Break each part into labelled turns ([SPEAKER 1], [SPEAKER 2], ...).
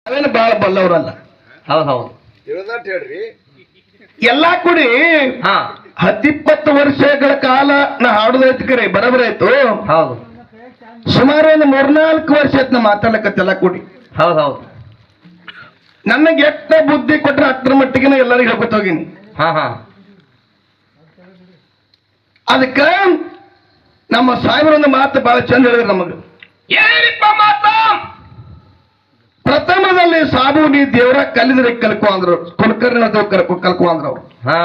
[SPEAKER 1] ಅವೇನು ಬಾಳ ಬಲ್ಲವ್ರಲ್ಲ.
[SPEAKER 2] ಹೌದ್ ಹೌದು
[SPEAKER 3] ಹೇಳ್ರಿ.
[SPEAKER 1] ಎಲ್ಲಾ ಕೂಡಿ 10-20 ವರ್ಷಗಳ ಕಾಲ ನಾ ಹಾಡುದೈತಿ ಕರೆ ಬರಬರ ಆಯ್ತು.
[SPEAKER 2] ಹೌದು
[SPEAKER 1] ಸುಮಾರು ಒಂದು 3-4 ವರ್ಷ ಆಯ್ತು ನಾ ಮಾತಾಡ್ಲಕತ್ತೆಲ್ಲ ಕೂಡಿ.
[SPEAKER 2] ಹೌದ್ ಹೌದು
[SPEAKER 1] ನನಗೆ ಎಷ್ಟ ಬುದ್ಧಿ ಕೊಟ್ರೆ ಅಷ್ಟರ ಮಟ್ಟಿಗೆ ಎಲ್ಲರಿಗೂ ಹೇಳ್ಕೊತ ಹೋಗಿನಿ. ಅದಕ್ಕ ನಮ್ಮ ಸಾಹೇಬರೊಂದು ಮಾತು ಬಹಳ ಚಂದ ಹೇಳಿದ್ರು ನಮಗ.
[SPEAKER 2] ಏನಿಪ್ಪ ಮಾತು?
[SPEAKER 1] ಪ್ರಥಮದಲ್ಲಿ ಸಾಬು ನೀ ದೇವರ ಕಲಿದ್ರೆ ಕಲ್ಕೊ ಅಂದ್ರು, ಕುಲಕರ್ಣ ಕಲ್ಕೊ ಅಂದ್ರ ಅವ್ರು.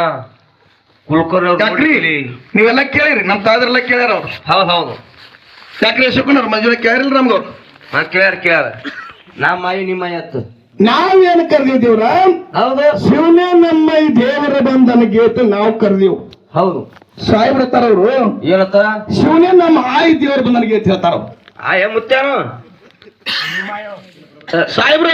[SPEAKER 1] ಯಾಕ್ರಿ ನೀವೆಲ್ಲ ಕೇಳಿರಿ, ನಮ್ ತಾದ್ರೆಲ್ಲ ಕೇಳ್ಯಾರ ಅವ್ರು.
[SPEAKER 2] ಹೌದ್ ಹೌದು
[SPEAKER 1] ಯಾಕ್ರಿ ಶಿವಕುಮಾರ್ ಮಂಜುನ ಕೇಳಿಲ್ಲ ನಮ್ಗವ್ರು.
[SPEAKER 2] ಕೇಳ್ಯಾರ ನಮ್ಮ ಮಾಯಿ ನಿಮ್ಮ ಎತ್ತು
[SPEAKER 1] ನಾವೇನು ಕರೆದಿದ್ದೀವ್ರ?
[SPEAKER 2] ಹೌದು
[SPEAKER 1] ಶಿವನೇ ನಮ್ಮ ಈ ದೇವರ ಬಂಧನ ಗೀತೆ ನಾವು ಕರೆದಿವ್.
[SPEAKER 2] ಹೌದು
[SPEAKER 1] ಸಾಹೇಬ್ರ ತಾರವ್ರು
[SPEAKER 2] ಏನತ್ತ?
[SPEAKER 1] ಶಿವನೇ ನಮ್ಮ ಆಯಿ ದೇವರ ಬಂಧನ ಗೀತೆ ಹೇಳ್ತಾರ.
[SPEAKER 2] ಮುತ್ಯಾನು
[SPEAKER 1] ಸಾಹೇಬ್ರ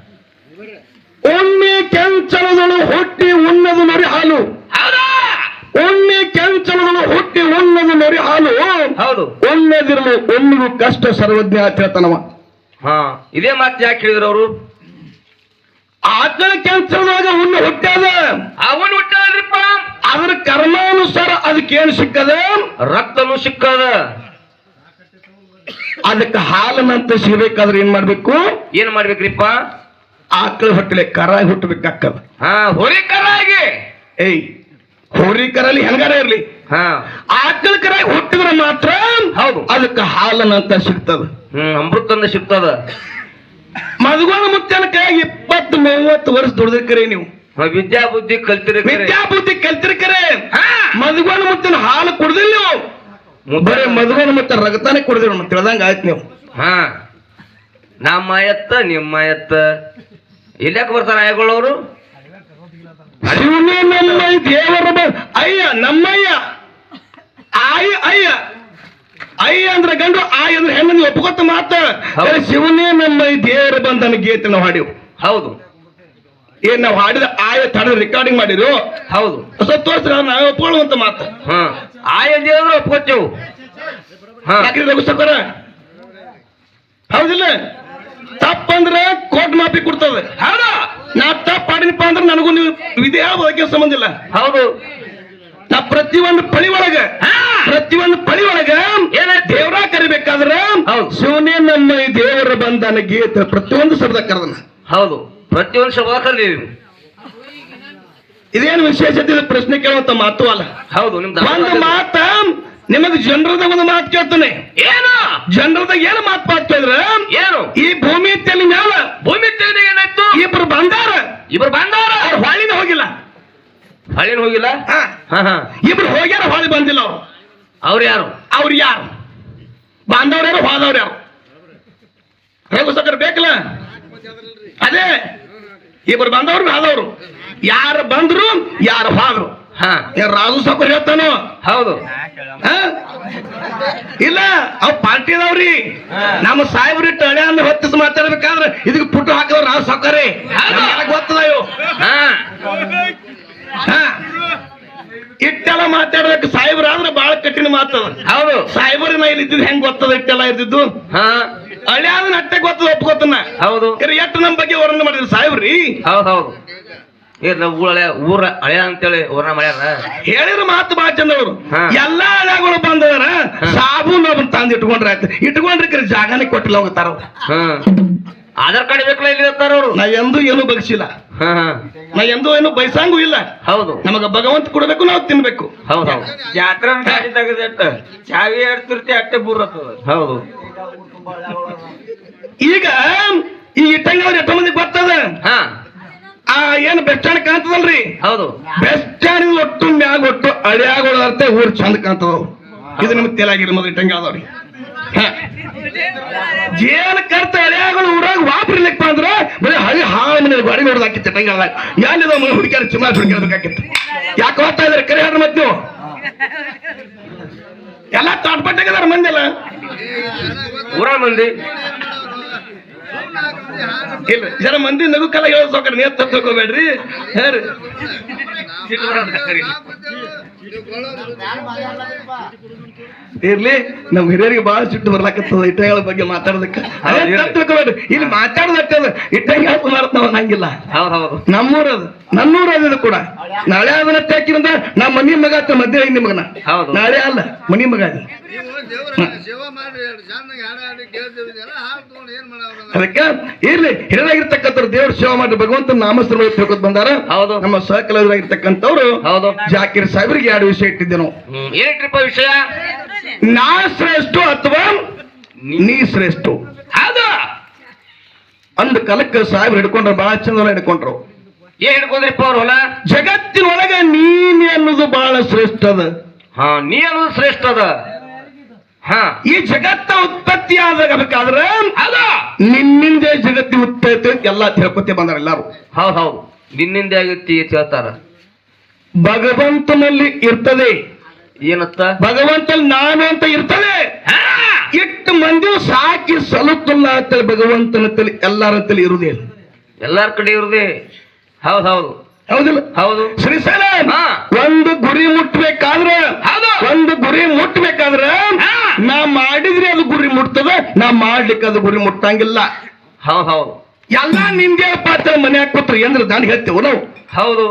[SPEAKER 1] ಒಮ್ಮೆ ಕೆಂಚಲದಳು ಹುಟ್ಟಿ ಉಣ್ಣದು ನೊರಿ ಹಾಲು. ಒಮ್ಮೆ ಕೆಂಚಲದಳು ಹುಟ್ಟಿ ಉಣ್ಣದು ನೊರಿ ಹಾಲು.
[SPEAKER 2] ಹೌದು
[SPEAKER 1] ಒಮ್ಮೆದಿರಲು ಒಮ್ಮಿಗೂ ಕಷ್ಟ ಸರ್ವಜ್ಞ ಅಂತ ಹೇಳ್ತಾನವ.
[SPEAKER 2] ಇದೇ ಮಾತು ಯಾಕೆ ಹೇಳಿದ್ರು ಅವರು?
[SPEAKER 1] ಆತನ ಕೆಂಚಲದಾಗ ಉಣ್ಣು ಹುಟ್ಟ್ಯಾದ,
[SPEAKER 2] ಅವನು ಹುಟ್ಟಾದ್ರಿಪ್ಪ.
[SPEAKER 1] ಅದ್ರ ಕರ್ಮಾನುಸಾರ ಅದಕ್ಕೇನು ಸಿಕ್ಕದ?
[SPEAKER 2] ರಕ್ತನು ಸಿಕ್ಕದ.
[SPEAKER 1] ಅದಕ್ಕೆ ಹಾಲನಂತ ಸಿಗಬೇಕಾದ್ರೆ ಏನ್ ಮಾಡ್ಬೇಕು?
[SPEAKER 2] ಏನ್ ಮಾಡ್ಬೇಕ್ರಿಪ್ಪ?
[SPEAKER 1] ಆಕಳ ಹೊಟ್ಟಲೆ ಕರಾಗಿ ಹುಟ್ಟಬೇಕಾಗ್ತದ.
[SPEAKER 2] ಹೊರಿ ಕರಾಗಿ.
[SPEAKER 1] ಹೋರಿ ಕರಲ್ಲಿ ಹೆಂಗಾರ ಇರ್ಲಿ, ಆಕಳ ಕರಾಗಿ ಹುಟ್ಟಿದ್ರೆ ಮಾತ್ರ
[SPEAKER 2] ಹೌದು
[SPEAKER 1] ಅದಕ್ಕೆ ಹಾಲನಂತ ಸಿಗ್ತದ.
[SPEAKER 2] ಅಮೃತಂದ ಸಿಗ್ತದ.
[SPEAKER 1] ಮದುಗೋಣ ಮುತ್ತನ ಕೈಯಾಗಿ 20-30 ವರ್ಷ ದುಡಿದಿರ್ಕರೆ ನೀವು.
[SPEAKER 2] ವಿದ್ಯಾ ಬುದ್ಧಿ ಕಲ್ತಿರಿ.
[SPEAKER 1] ಕಲ್ತಿರ್ಕರೆ ಮದುಗೋಣ ಮುತ್ತನ ಹಾಲು ಕುಡ್ದಿಲ್ಲ ನೀವು. ಬರೇ ಮದುಗೋಣ ಮುತ್ತ ರಗತಾನೆ ಕುಡ್ದಿರ ತಿಳ್ದಂಗ ಆಯ್ತು ನೀವು.
[SPEAKER 2] ನಮ್ಮ ಎತ್ತ ನಿಮ್ಮ ಎತ್ತ ಇಲ್ಯಾಕ ಬರ್ತಾರ ಆಯಗಳವರು?
[SPEAKER 1] ಶಿವನೇ ನಮ್ಮ ದೇವರ ಅಯ್ಯ ನಮ್ಮಯ್ಯ ಆಯ ಅಯ್ಯ ಅಯ್ಯ ಅಂದ್ರೆ ಗಂಡು, ಆಯ್ ಅಂದ್ರೆ ಹೆಣ್ಣು. ನೀವು ಒಪ್ಕೊತ ಮಾತ ಶಿವನೇ ನಮ್ಮ ಈ ದೇವರ ಬಂಧನ ಗೀತೆ ನಾವು ಹಾಡಿವು.
[SPEAKER 2] ಹೌದು
[SPEAKER 1] ಏನ್ ನಾವು ಹಾಡಿದ ಆಯ ತಡ ರೆಕಾರ್ಡಿಂಗ್ ಮಾಡಿರು.
[SPEAKER 2] ಹೌದು
[SPEAKER 1] ತೋರಿಸ್ರ ನಾವೇ ಒಪ್ಕೊಳ್ಳುವಂತ ಮಾತು.
[SPEAKER 2] ಆಯ ದೇವ್ರು ಒಪ್ಕೋತೇವು.
[SPEAKER 1] ಯಾಕ್ರಿ ರಘುಸಕರ? ಹೌದಿಲ್ಲ? ತಪ್ಪಂದ್ರೆ ಕೋರ್ಟ್ ಮಾಫಿ ಕೊಡ್ತದೆ. ಹೌದಾ? ನಾ ತಪ್ಪ ಮಾಡಿನಪ್ಪ ಅಂದ್ರೆ ನನಗೂ ನೀವು ವಿಧಿ ಬಗ್ಗೆ ಸಂಬಂಧ ಇಲ್ಲ.
[SPEAKER 2] ಹೌದು
[SPEAKER 1] ನಾ ಪ್ರತಿಯೊಂದು ಪಳಿ ಒಳಗ ಏನ ದೇವರ ಕರಿಬೇಕಾದ್ರ ಶಿವನೇ ನಮ್ಮ ಈ ದೇವರ ಬಂಧನ ಗೀತೆ ಪ್ರತಿಯೊಂದು ಶಬ್ದ ಕರೆದನ.
[SPEAKER 2] ಹೌದು ಪ್ರತಿಯೊಂದು ಶಬ್ದ ಕರೆದಿದ್ದೀವಿ.
[SPEAKER 1] ಇದೇನು ವಿಶೇಷತೆ? ಪ್ರಶ್ನೆ ಕೇಳುವಂತ ಮಾತು ಅಲ್ಲ.
[SPEAKER 2] ಹೌದು ನಿಮ್ದು
[SPEAKER 1] ಒಂದು ಮಾತ ನಿಮಗೆ ಜನರದಾಗ ಒಂದು ಮಾತು ಕೇಳ್ತಾನೆ. ಏನು ಜನರದಾಗ ಏನು ಮಾತು ಕೇಳಿದ್ರ? ಏನು ಈ ಭೂಮಿ ತೆಲಿ ಮ್ಯಾಲ ಏನಾಯ್ತು? ಇಬ್ರು ಬಂದಾರ ಹೊಳಿನ ಹೋಗಿಲ್ಲ. ಇಬ್ರು ಹೋಗ್ಯಾರ, ಹೊಳಿ ಬಂದಿಲ್ಲ.
[SPEAKER 2] ಅವ್ರು ಯಾರು?
[SPEAKER 1] ಬಾಂಧವ್ರ ಯಾರು, ಹೋದವ್ರು ಯಾರು? ಹೇಗೂ ಸಕ್ಕರೆ ಬೇಕಲ್ಲ. ಅದೇ ಇಬ್ರು ಬಂದವ್ರು ಹೋದವ್ರು. ಯಾರು ಬಂದ್ರು ಯಾರು ಹೋದ್ರು. ರಾಜು ಸಕ್ಕರ್ ಹೇಳ್ತಾನು.
[SPEAKER 2] ಹೌದು
[SPEAKER 1] ಇಲ್ಲ ಅವ್ ಪಾರ್ಟಿದವ್ರಿ. ನಮ್ಮ ಸಾಹೇಬ್ರಿ ಟಳೆ ಅಂದ್ರೆ ಹೊತ್ತಿಸ್ ಮಾತಾಡ್ಬೇಕಾದ್ರೆ ಇದಕ್ಕೆ ಪುಟ್ಟು ಹಾಕಿದವ್ರು ರಾಜು ಸಕ್ಕರೆ ಗೊತ್ತದ. ಇವು ಇಟ್ಟೆಲ್ಲ ಮಾತಾಡ್ಬೇಕು ಸಾಹೇಬ್ರ ಆದ್ರೆ ಬಹಳ ಕಠಿಣ ಮಾತದ. ಹೌದು ಸಾಹೇಬ್ರ ನಾ ಇಲ್ಲಿ ಇದ್ದಿದ್ದು ಹೆಂಗ್ ಗೊತ್ತದ? ಇಟ್ಟೆಲ್ಲ ಇದ್ದಿದ್ದು ಹಳೆ ಆದ್ರೆ ಅಟ್ಟೆ ಗೊತ್ತದ, ಒಪ್ಕೋತನ. ಹೌದು ಎಷ್ಟು ನಮ್ ಬಗ್ಗೆ ವರ್ಣನೆ ಮಾಡಿದ್ರು ಸಾಹೇಬ್ರಿ.
[SPEAKER 2] ಹೌದು ಊರ ಹಳೆ ಅಂತೇಳಿ ಊರ್ನ ಮಾಡ್ಯಾರ. ಹೇಳಿದ್ರು
[SPEAKER 1] ಮಾತು ಬಹಳ ಚಂದವರು. ಎಲ್ಲಾ ಹಳೆಗಳು ಬಂದವರ ಸಾಬು ನಾವು ತಂದು ಇಟ್ಕೊಂಡ್ರೆ ಜಾಗನೇ ಕೊಟ್ಟಿಲ್ಲ ಹೋಗ್ತಾರ.
[SPEAKER 2] ಆಧಾರ್ ಕಾರ್ಡ್ ಬೇಕಲ್ಲ ಇಲ್ಲಿ ಇರ್ತಾರ ಅವ್ರು.
[SPEAKER 1] ನಾ ಎಂದೂ ಏನು ಬಗ್ಸಿಲ್ಲ, ನಾ ಎಂದೂ ಏನು ಬಯಸಂಗೂ ಇಲ್ಲ.
[SPEAKER 2] ಹೌದು
[SPEAKER 1] ನಮಗ ಭಗವಂತ ಕೊಡ್ಬೇಕು, ನಾವು ತಿನ್ಬೇಕು.
[SPEAKER 2] ಹೌದು
[SPEAKER 3] ಜಾತ್ರೆ ತೆಗೆದ ಚಾವಿ ಆಡ್ತಿರ್ತಿ ಅಟ್ಟೆ ಬೂರತ್ತದ.
[SPEAKER 2] ಹೌದು
[SPEAKER 1] ಈಗ ಈ ಇಟ್ಟಂಗ ಎಷ್ಟೋ ಮಂದಿ ಗೊತ್ತದ. ಏನು ಬೆಸ್ಟ್ ಸ್ಟ್ಯಾಂಡ್ ಕಾಣ್ತದಲ್ರಿ?
[SPEAKER 2] ಹೌದು
[SPEAKER 1] ಬೆಸ್ಟ್ ಸ್ಟ್ಯಾಂಡ್ ಒಟ್ಟು ಮ್ಯಾಗ ಒಟ್ಟು ಹಳಿಯಾಗೋದಂತೆ ಊರ್ ಚಂದ ಕಾಣ್ತದ. ಇದು ನಿಮ್ಗೆ ತೇಲಾಗಿರಿ ಮೊದಲು ಇಟ್ಟಂಗ ಆದವ್ರಿ. ಏನ್ ಕರ್ತ ಹಳಿಯಾಗಳು ಊರಾಗ ವಾಪರ್ಲಿಕ್ಕಪ್ಪ ಅಂದ್ರ ಬರೀ ಹಳಿ ಹಾಳು ಮನೆ ಗಾಡಿ ನೋಡೋದಾಕಿತ್ತು. ಇಟ್ಟಂಗ ಆದಾಗ ಯಾನಿದ ಮನೆ ಹುಡುಕ್ಯಾರ ಚುನಾವ್ ಹುಡುಕ್ಯಾಡಬೇಕಾಗಿತ್ತು. ಯಾಕೆ ಹೋಗ್ತಾ ಇದಾರೆ ಕರೆ ಹೇಳ್ರಿ ಮತ್ತೆ ನೀವು? ಎಲ್ಲ ತಾಟ್ಪಟ್ಟಾಗಿದಾರ ಮಂದಿ ಎಲ್ಲ
[SPEAKER 2] ಊರ ಮಂದಿ
[SPEAKER 1] ಇಲ್ಲ. ಜನ ಮಂದಿ ನಗುಕಲ್ಲ ಹೇಳೋದು ಸೌಕರ್ಯ ನೇತ್ ತಗೋಬೇಡ್ರಿ. ಹೇಳ್ರಿ ಇರ್ಲಿ ನಮ್ ಹಿರಿಯರಿಗೆ ಬಹಳ ಸಿಟ್ಟು ಬರ್ಲಾಕತ್ತದ ಇಟ್ಟಂಗಳ ಬಗ್ಗೆ ಮಾತಾಡೋದಕ್ಕೆ ಅದೇ ತಪ್ಪು ತಿಳ್ಕೊಬೇಡ್ರಿ. ಇಲ್ಲಿ ಮಾತಾಡೋದಕ್ಕೆ ಇಟ್ಟಂಗ ಮಾಡ್ತಾವ ನಂಗಿಲ್ಲ.
[SPEAKER 2] ಹೌದು
[SPEAKER 1] ನಮ್ಮೂರದು ನನ್ನೂರದು ಕೂಡ. ನಾಳೆ ಅದನ್ನ ಹಾಕಿರಂದ ನಮ್ಮ ಮನಿ ಮಗ ಆತ ಮಧ್ಯ ಐದು ಮಗನ.
[SPEAKER 2] ಹೌದು.
[SPEAKER 1] ನಾಳೆ ಅಲ್ಲ ಮನಿ ಮಗ ಅದು. ಅದಕ್ಕೆ ಇರ್ಲಿ ಹಿರಿಯರಾಗಿರ್ತಕ್ಕಂಥ ದೇವ್ರ ಸೇವೆ ಮಾಡಿ ಭಗವಂತನ ನಾಮಸ್ತ್ರ ತಿಳ್ಕೊತ್ ಬಂದಾರ.
[SPEAKER 2] ಹೌದು.
[SPEAKER 1] ನಮ್ಮ ಸಹಕಲಾಗಿರ್ತಕ್ಕಂಥವ್ರು
[SPEAKER 2] ಹೌದು.
[SPEAKER 1] ಜಾಕಿರ್ ಸಾಹೇಬ್ರಿಗೆ 2 ವಿಷಯ ಇಟ್ಟಿದ್ದೆ ನಾವು.
[SPEAKER 2] ಏನಿಟ್ರಿಪ್ಪ ವಿಷಯ?
[SPEAKER 1] ನಾ ಶ್ರೇಷ್ಠ ಅಥವಾ ನೀ ಶ್ರೇಷ್ಠ.
[SPEAKER 2] ಹೌದು.
[SPEAKER 1] ಅಂದ ಕಾಲಕ್ಕೆ ಸಾಹೇಬ್ರು ಹಿಡ್ಕೊಂಡ್ರು, ಬಹಳ ಚಂದ ಹಿಡ್ಕೊಂಡ್ರು.
[SPEAKER 2] ಏನ್ ಹಿಡ್ಕೊಂಡ್ರಿಪ್ಪ ಅವ್ರ ಹೊಲ?
[SPEAKER 1] ಜಗತ್ತಿನೊಳಗೆ ನೀನೆ ಅನ್ನೋದು ಬಹಳ ಶ್ರೇಷ್ಠ ಅದ.
[SPEAKER 2] ಹಾ, ನೀ ಅನ್ನೋದು ಶ್ರೇಷ್ಠ ಅದ. ಹಾ,
[SPEAKER 1] ಈ ಜಗತ್ತ ಉತ್ಪತ್ತಿ ಆಗಬೇಕಾದ್ರೆ
[SPEAKER 2] ಹೌದು,
[SPEAKER 1] ನಿನ್ನಿಂದ ಜಗತ್ತಿ ಉತ್ಪತ್ತಿ ಎಲ್ಲಾ ತಿಳ್ಕೊತಿ ಬಂದಾರ ಎಲ್ಲಾರು.
[SPEAKER 2] ಹೌದು. ನಿನ್ನಿಂದ ಆಗೈತಿ ಅಂತ ಹೇಳ್ತಾರ.
[SPEAKER 1] ಭಗವಂತನಲ್ಲಿ ಇರ್ತದೆ.
[SPEAKER 2] ಏನತ್ತ?
[SPEAKER 1] ಭಗವಂತನಲ್ಲಿ ನಾನು ಅಂತ ಇರ್ತದೆ. ಇಟ್ಟು ಮಂದಿ ಸಾಕಿ ಸಲುತ್ತಲ್ಲ ಅಂತೇಳಿ ಭಗವಂತನಂತಲ್ಲಿ ಎಲ್ಲಾರಂತಲ್ಲಿ ಇರುವುದೇ.
[SPEAKER 2] ಎಲ್ಲಾರ ಕಡೆ ಇರುದೇ. ಹೌದು.
[SPEAKER 1] ಹೌದಿಲ್ಲ?
[SPEAKER 2] ಹೌದು.
[SPEAKER 1] ಶ್ರೀಶೈಲ
[SPEAKER 2] ಹಾ.
[SPEAKER 1] ಒಂದು ಗುರಿ ಮುಟ್ಬೇಕಾದ್ರೆ,
[SPEAKER 2] ಹೌದು,
[SPEAKER 1] ಒಂದು ಗುರಿ ಮುಟ್ಬೇಕಾದ್ರೆ ನಾ ಮಾಡಿದ್ರೆ ಅದು ಗುರಿ ಮುಟ್ತದ, ನಾ ಮಾಡ್ಲಿಕ್ಕೆ ಅದು ಗುರಿ ಮುಟ್ಟಂಗಿಲ್ಲ.
[SPEAKER 2] ಹೌದು.
[SPEAKER 1] ಎಲ್ಲಾ ನಿಂದೆ ಪಾತ್ರ ಮನೆ ಹಾಕೋತ್ರಿ ಎಂದ್ರೆ ದಾಂಡಿಗೆ ಹತ್ತೇವು ನಾವು.
[SPEAKER 2] ಹೌದು.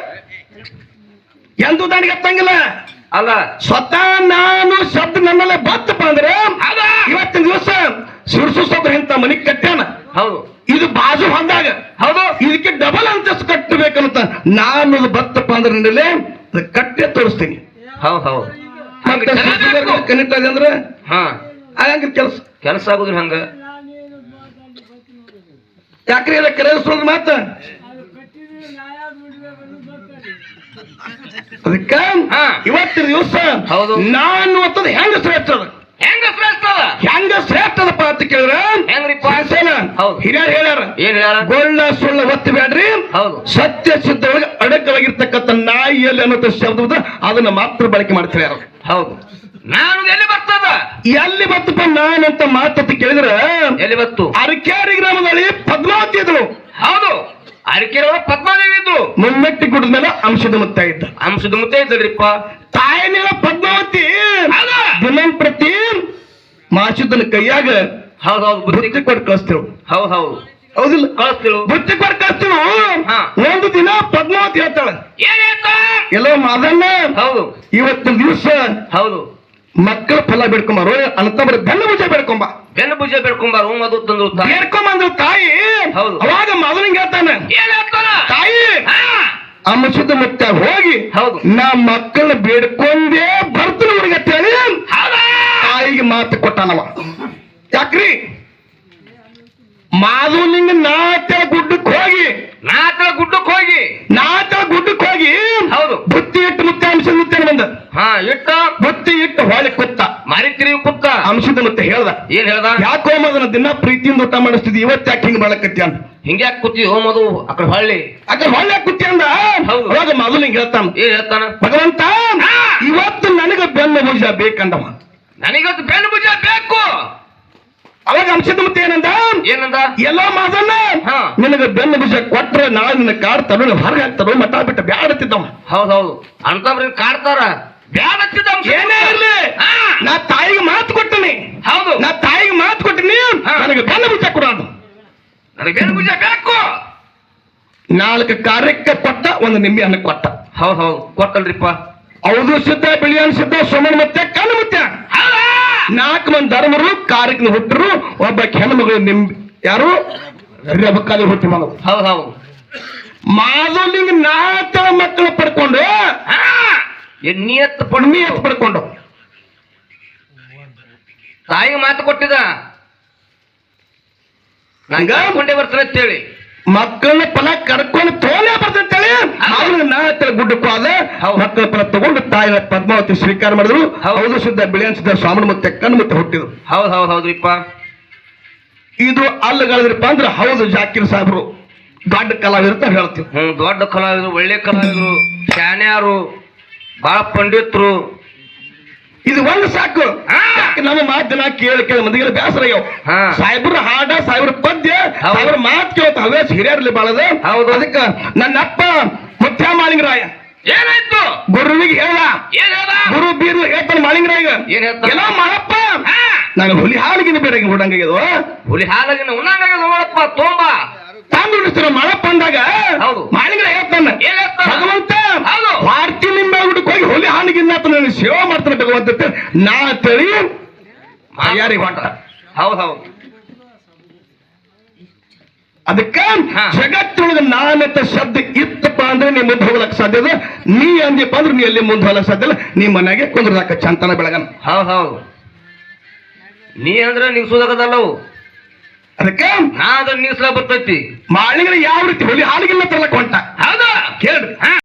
[SPEAKER 1] ಎಂದು ದಾಂಡಿಗೆ ಹತ್ತಂಗಿಲ್ಲ.
[SPEAKER 2] ಅಲ್ಲ,
[SPEAKER 1] ಸ್ವತಃ ನಾನು ಶಬ್ದ ನನ್ನಲ್ಲೇ ಬತ್ತಪ್ಪ ಅಂದ್ರೆ ಇವತ್ತಿನ ದಿವಸ ಶಿರ್ಸು ಸಬ್ರ ಇಂತ ಮನಿ ಕಟ್ಟ್ಯಾನ.
[SPEAKER 2] ಹೌದು.
[SPEAKER 1] ಇದು ಬಾಜು ಹೊಂದಾಗ
[SPEAKER 2] ಹೌದು,
[SPEAKER 1] ಇದಕ್ಕೆ ಡಬಲ್ ಅಂತಸ್ತು ಕಟ್ಟಬೇಕಂತ ನಾನು ಬತ್ತಪ್ಪ ಅಂದ್ರೆ ನನ್ನಲ್ಲೇ ಕಟ್ಟೆ ತೋರಿಸ್ತೀನಿ.
[SPEAKER 2] ಹೌದು.
[SPEAKER 1] ಕನೆಕ್ಟ್ ಆಗಿ ಅಂದ್ರೆ
[SPEAKER 2] ಹಾ,
[SPEAKER 1] ಆಗಂಗ
[SPEAKER 2] ಕೆಲಸ ಆಗುದ್ರಿ ಹಂಗ.
[SPEAKER 1] ಯಾಕ್ರಿ ಎಲ್ಲ ಕರೆಸೋದು ಮಾತ ಅದಕ್ಕ ಇವತ್ತಿನ ದಿವಸ
[SPEAKER 2] ಹೌದು.
[SPEAKER 1] ನಾನು ಅಂತದ್ ಹೆಂಗ ಶ್ರೇಷ್ಠ ಅದ, ಹೆಂಗ ಶ್ರೇಷ್ಠದಪ್ಪ ಅಂತ ಕೇಳಿದ್ರೆ
[SPEAKER 2] ಹೆಂಗ್ರಿಪ್ಪ? ಹೌದು.
[SPEAKER 1] ಹಿರಿಯರು ಹೇಳ್ಯಾರ,
[SPEAKER 2] ಏನ್ ಹೇಳ?
[SPEAKER 1] ಗೊಳ್ಳ ಸುಳ್ಳ ಒತ್ತಿ ಬೇಡ್ರಿ,
[SPEAKER 2] ಹೌದು,
[SPEAKER 1] ಸತ್ಯ ಸಿದ್ಧೊಳಗೆ ಅಡಕವಾಗಿರ್ತಕ್ಕಂಥ ನಾಯಿಯಲ್ಲಿ ಅನ್ನೋ ಶಬ್ದ ಅದನ್ನ ಮಾತ್ರ ಬಳಕೆ ಮಾಡ್ತಾರೆ ಯಾರು.
[SPEAKER 2] ಹೌದು. ನಾನು ಎಲ್ಲಿ ಬರ್ತದ?
[SPEAKER 1] ಎಲ್ಲಿ ಬತ್ತಪ್ಪ ನಾನಂತ ಮಾತಂತ ಕೇಳಿದ್ರೆ
[SPEAKER 2] ಎಲ್ಲಿ ಬತ್ತು?
[SPEAKER 1] ಅರಕೇರಿ ಗ್ರಾಮದಲ್ಲಿ ಪದ್ಮಾವತಿ ಇದ್ರು.
[SPEAKER 2] ಹೌದು, ಅರಕೆರೆ ಪದ್ಮಾದೇವಿ ಇದ್ರು.
[SPEAKER 1] ಮುಮ್ಮೆಟ್ಟಿ ಗುಡ್ಡ ಮೇಲೆ ಅಂಶದ ಮುತ್ತ ಇದ್ದ.
[SPEAKER 2] ಅಂಶದ ಮುತ್ತೆ ಇದ್ದಲ್ರಿಪ್ಪ.
[SPEAKER 1] ತಾಯಿನ ಪದ್ಮಾವತಿ ದಿನಂಪ್ರತಿ ಮಾಸುದನ ಕೈಯಾಗ
[SPEAKER 2] ಹೌದು,
[SPEAKER 1] ಬುತ್ತಿ ಕೊಟ್ಟು ಕಳಿಸ್ತೇವ್.
[SPEAKER 2] ಹೌದು,
[SPEAKER 1] ಹೌದಿಲ್ಲ?
[SPEAKER 2] ಕಳಿಸ್ತಿರು.
[SPEAKER 1] ಬುತ್ತಿ ಕೊಟ್ಟು ಕಳಿಸ್ತೇವ್.
[SPEAKER 2] ಹಾ.
[SPEAKER 1] ಒಂದು ದಿನ ಪದ್ಮಾವತಿ ಹೇಳ್ತಾಳ,
[SPEAKER 2] ಏನ್ ಹೇಳ್ತ?
[SPEAKER 1] ಎಲ್ಲೋ ಮಾದನ್ನ
[SPEAKER 2] ಹೌದು,
[SPEAKER 1] ಇವತ್ತಿನ ದಿವಸ
[SPEAKER 2] ಹೌದು,
[SPEAKER 1] ಮಕ್ಕಳ ಫಲ ಬೇಡ್ಕೊಂಬಾರು ಅಂತಂದ್ರೆ ಬೆನ್ನ ಭುಜ ಬೇಡ್ಕೊಂಬ.
[SPEAKER 2] ಬೆನ್ನು ಭುಜ ಬೇಡ್ಕೊಂಬಾರು ಮದು ತಂದ್ರು.
[SPEAKER 1] ಬೇಡ್ಕೊಂಬಂದ್ರು ತಾಯಿ.
[SPEAKER 2] ಹೌದು.
[SPEAKER 1] ಅವಾಗ ಮೊದಲಿಂಗ ಹೇಳ್ತಾನೆ,
[SPEAKER 2] ಏನ್ ಹೇಳ್ತಾನ?
[SPEAKER 1] ತಾಯಿ ಅಂಶದ ಮುತ್ತ ಹೋಗಿ
[SPEAKER 2] ಹೌದು,
[SPEAKER 1] ನಾ ಮಕ್ಕಳನ್ನ ಬೇಡ್ಕೊಂಡೇ ಬರ್ತೀನಿ ಹುಡುಗ ಅಂತೇಳಿ ತಾಯಿಗೆ ಮಾತು ಕೊಟ್ಟಾನವ. ಯಾಕ್ರಿ ಮಾಧುಲಿಂಗ ನಾಚ ಗುಡ್ಡಕ್ಕೆ ಹೋಗಿ
[SPEAKER 2] ಹೌದು,
[SPEAKER 1] ಬುತ್ತಿ ಇಟ್ಟು ಮುತ್ತೆ ಅಂಶದ ಮುತ್ತೆ ಬಂದ.
[SPEAKER 2] ಹಾ, ಇಟ್ಟ
[SPEAKER 1] ಬುತ್ತಿ ಇಟ್ಟು ಹೊಳೆ ಕುತ್ತ
[SPEAKER 2] ಮಾರಿತಿರಿ ಕುತ್ತ
[SPEAKER 1] ಅಂಶದ ಮುತ್ತೆ ಹೇಳ್ದ,
[SPEAKER 2] ಏನ್ ಹೇಳ್ದ?
[SPEAKER 1] ಯಾಕೋ ಅದನ್ನ ದಿನ ಪ್ರೀತಿಯಿಂದ ಊಟ ಮಾಡಿಸ್ತಿದ್ವಿ, ಇವತ್ತು ಯಾಕೆ ಹಿಂಗ್ ಮಾಡಕತ್ತಿ ಅಂತ.
[SPEAKER 2] ಹಿಂಗ್ಯಾಕ್ ಕೂತಿ ಹೋಮದು ಅಕಡೆ ಹೊಳ್ಳಿ
[SPEAKER 1] ಅಕ್ಕ ಹೊಳೆ ಕುತ್ತಿ ಅಂದ.
[SPEAKER 2] ಹೌದು.
[SPEAKER 1] ಅವಾಗ ಮೊದಲಿಂಗ ಹೇಳ್ತಾನ,
[SPEAKER 2] ಏನ್ ಹೇಳ್ತಾನ?
[SPEAKER 1] ಭಗವಂತ ಇವತ್ತು ನನಗೆ ಬೆನ್ನ ಭುಜ ಬೇಕಂದವ.
[SPEAKER 2] ನನಗದು ಬೆನ್ನು ಭುಜ ಬೇಕು.
[SPEAKER 1] ಅವಾಗ ಅಂಶದ ಮುತ್ತೆ ಏನಂದ? ಎಲ್ಲೋ ಮಾದನ್ನ ನಿನಗೆ ಬೆನ್ನ ಭುಜ ಕೊಟ್ರೆ ನಾಳೆ ನಿನ್ನ ಕಾಡ್ತಾರೋ ಹೊರಗೆ ಹಾಕ್ತಾರೋ ಮಠ ಬಿಟ್ಟ ಬ್ಯಾಡತ್ತಿದ್ದವ.
[SPEAKER 2] ಹೌದು, ಅಂತವ್ರ ಕಾಡ್ತಾರ. ಬ್ಯಾಡತ್ತಿದ್ದ
[SPEAKER 1] ಏನೇ ಇರ್ಲಿ, ನಾ ತಾಯಿಗೆ ಮಾತು ಕೊಟ್ಟಿನಿ.
[SPEAKER 2] ಹೌದು,
[SPEAKER 1] ನಾ ತಾಯಿಗೆ ಮಾತು ಕೊಟ್ಟಿನಿ, ನನಗೆ ಬೆನ್ನ ಭುಜ ಕೊಡ.
[SPEAKER 2] ನನಗೆ ಬೆನ್ನು ಭುಜ ಬೇಕು.
[SPEAKER 1] 4 ಕಾರ್ಯಕ್ಕೆ ಕೊಟ್ಟ, 1 ನಿಂಬೆ ಹಣ್ಣು ಕೊಟ್ಟ.
[SPEAKER 2] ಹೌದು, ಕೊಟ್ಟಲ್ರಿಪ್ಪ.
[SPEAKER 1] ಹೌದು ಸಿದ್ಧ, ಬಿಳಿಯನ್ ಸಿದ್ಧ, ಸೋಮನ್ ಮತ್ತೆ ಕಣ್ಣು ಮುತ್ಯ 4 ಮಂದಿ ಧರ್ಮರು ಕಾರ್ಯಕ್ಕೆ ಹುಟ್ಟರು. ಒಬ್ಬ ಹೆಣ್ಮಗಳು ನಿಂಬೆ ಯಾರು ರೆಬಕ್ಕಾಲಿ ಹುಟ್ಟಿ ಮಗಳು.
[SPEAKER 2] ಹೌದು,
[SPEAKER 1] ಮಾಧುಲಿಂಗ 4 ಮಕ್ಕಳು ಪಡ್ಕೊಂಡು
[SPEAKER 2] ನಿಯತ್
[SPEAKER 1] ಪಡ್ಕೊಂಡು
[SPEAKER 2] ತಾಯಿಗೆ ಮಾತು ಕೊಟ್ಟಿದ ಕೊಂಡೇ ಬರ್ತಾನೆ ಅಂತೇಳಿ
[SPEAKER 1] ಮಕ್ಕಳನ್ನ ಫಲ ಕರ್ಕೊಂಡು ತೋಲೆ ಬರ್ತಂತೇಳಿ ಅವ್ರಿಗೆ 4 ಗುಡ್ಡಕ್ಕೂ ಆದ ಮಕ್ಕಳ ಫಲ ತಗೊಂಡು ತಾಯಿನ ಪದ್ಮಾವತಿ ಸ್ವೀಕಾರ ಮಾಡಿದ್ರು. ಹೌದು ಸಿದ್ಧ, ಬಿಳಿಯನ್ ಸಿದ್ಧ, ಸ್ವಾಮಿ ಮತ್ತೆ ಕಣ್ಣು ಮತ್ತೆ ಹುಟ್ಟಿದ್ರು.
[SPEAKER 2] ಹೌದ್ರಿಪ್ಪ.
[SPEAKER 1] ಇದು ಅಲ್ಲಗಳಿದ್ರಪ್ಪ ಅಂದ್ರೆ ಹೌದು ಜಾಕಿರ್ ಸಾಹೇಬ್ರು ದೊಡ್ಡ ಕಲಾವಿದ್ರು ಅಂತ ಹೇಳ್ತೀವಿ.
[SPEAKER 2] ದೊಡ್ಡ ಕಲಾವಿದ್ರು, ಒಳ್ಳೆ ಕಲಾವಿದ್ರು, ಶಾನ್ಯಾರು, ಬಹಳ ಪಂಡಿತರು.
[SPEAKER 1] ಇದು ಒಂದು ಸಾಕು. ನಮ್ಮ ಮಾತನ್ನ ಕೇಳಿ ಮಂದಿಗೆಲ್ಲ ಬೇಸರ ಆಗ್ಯಾವ. ಸಾಹೇಬ್ರ ಹಾಡ, ಸಾಹೇಬ್ರ ಪದ್ಯ, ಸಾಹೇಬ್ರ ಮಾತು ಕೇಳ್ತ ಹವ್ಯಾಸ ಹಿರಿಯರ್ಲಿ ಬಾಳದ. ಅದಕ್ಕೆ ನನ್ನಪ್ಪ ಮುತ್ಯ ಮಾಲಿಂಗರಾಯ
[SPEAKER 2] ಏನಾಯ್ತು
[SPEAKER 1] ಗುರುವಿಗೆ ಹೇಳ
[SPEAKER 2] ಏನ್ ಹೇಳ್ದ
[SPEAKER 1] ಗುರು ಬೀರು ಹೇಳ್ತಾನೆ ಮಾಳಿಂಗರಾಗ
[SPEAKER 2] ಏನ್ ಹೇಳ್ತಾನ?
[SPEAKER 1] ಏನೋ ಮಾಡಪ್ಪ
[SPEAKER 2] ಹಾ,
[SPEAKER 1] ನಾನು ಹುಲಿ ಹಾಲಿಗಿನ ಬೇರೆ ಹುಡಂಗಿದು
[SPEAKER 2] ಹುಲಿ ಹಾಲಾಗಿನ ಉಣ್ಣಂಗ ನೋಡಪ್ಪ ತೋಂಬ
[SPEAKER 1] ತಾಂದು ಉಳಿಸ್ತಾರ ಮಾಡಪ್ಪ ಅಂದಾಗ
[SPEAKER 2] ಹೌದು.
[SPEAKER 1] ಮಾಳಿಂಗರ ಹೇಳ್ತಾನೆ
[SPEAKER 2] ಏನ್ ಹೇಳ್ತಾನ?
[SPEAKER 1] ಭಗವಂತ
[SPEAKER 2] ಹೌದು.
[SPEAKER 1] ವಾರ್ತಿ ನಿಂಬೆ ಗುಡಕ್ಕೆ ಹೋಗಿ ಹುಲಿ ಹಾಲಿಗಿನ್ನ ನನ್ನ ಸೇವೆ ಮಾಡ್ತಾನೆ ಭಗವಂತ ಅಂತ ನಾ ತಳಿ ಯಾರಿಗೆ ಹೊಂಟ
[SPEAKER 2] ಹೌದ್ ಹೌದು
[SPEAKER 1] ಅದಕ್ಕ
[SPEAKER 2] ಹಾ.
[SPEAKER 1] ಜಗತ್ತೊಳಗ ನಾನಂತ ಶಬ್ದ ಇತ್ತಪ್ಪ ಅಂದ್ರೆ ನೀ ಮುಂದೆ ಹೋಗ್ಲಕ್ ಸಾಧ್ಯ ಇಲ್ಲ ನೀ ಅಂದಿಪ್ಪ ಅಂದ್ರೆ ನೀ ಎಲ್ಲಿ ಮುಂದೆ ಹೋಗ್ಲಕ್ ಸಾಧ್ಯ ಇಲ್ಲ ನೀ ಮನೆಗೆ ಕುಂದ್ರದಾಕ ಚಂತನ ಬೆಳಗನ
[SPEAKER 2] ಹೌದ್ ಹೌದು ನೀ ಅಂದ್ರೆ ನಿಗ್ಸೋದಕ್ಕದಲ್ಲವು
[SPEAKER 1] ಅದಕ್ಕ
[SPEAKER 2] ನಾ ಅದ್ರ ನಿಗ್ಸ್ಲಾ ಬರ್ತೈತಿ
[SPEAKER 1] ಮಾಳಿಗರ ಯಾವ ರೀತಿ ಹುಲಿ ಹಾಲಿಗಿಲ್ಲ ತರ್ಲಕ್ ಹೊಂಟ
[SPEAKER 2] ಹೌದಾ
[SPEAKER 1] ಕೇಳ್ರಿ
[SPEAKER 2] ಹಾ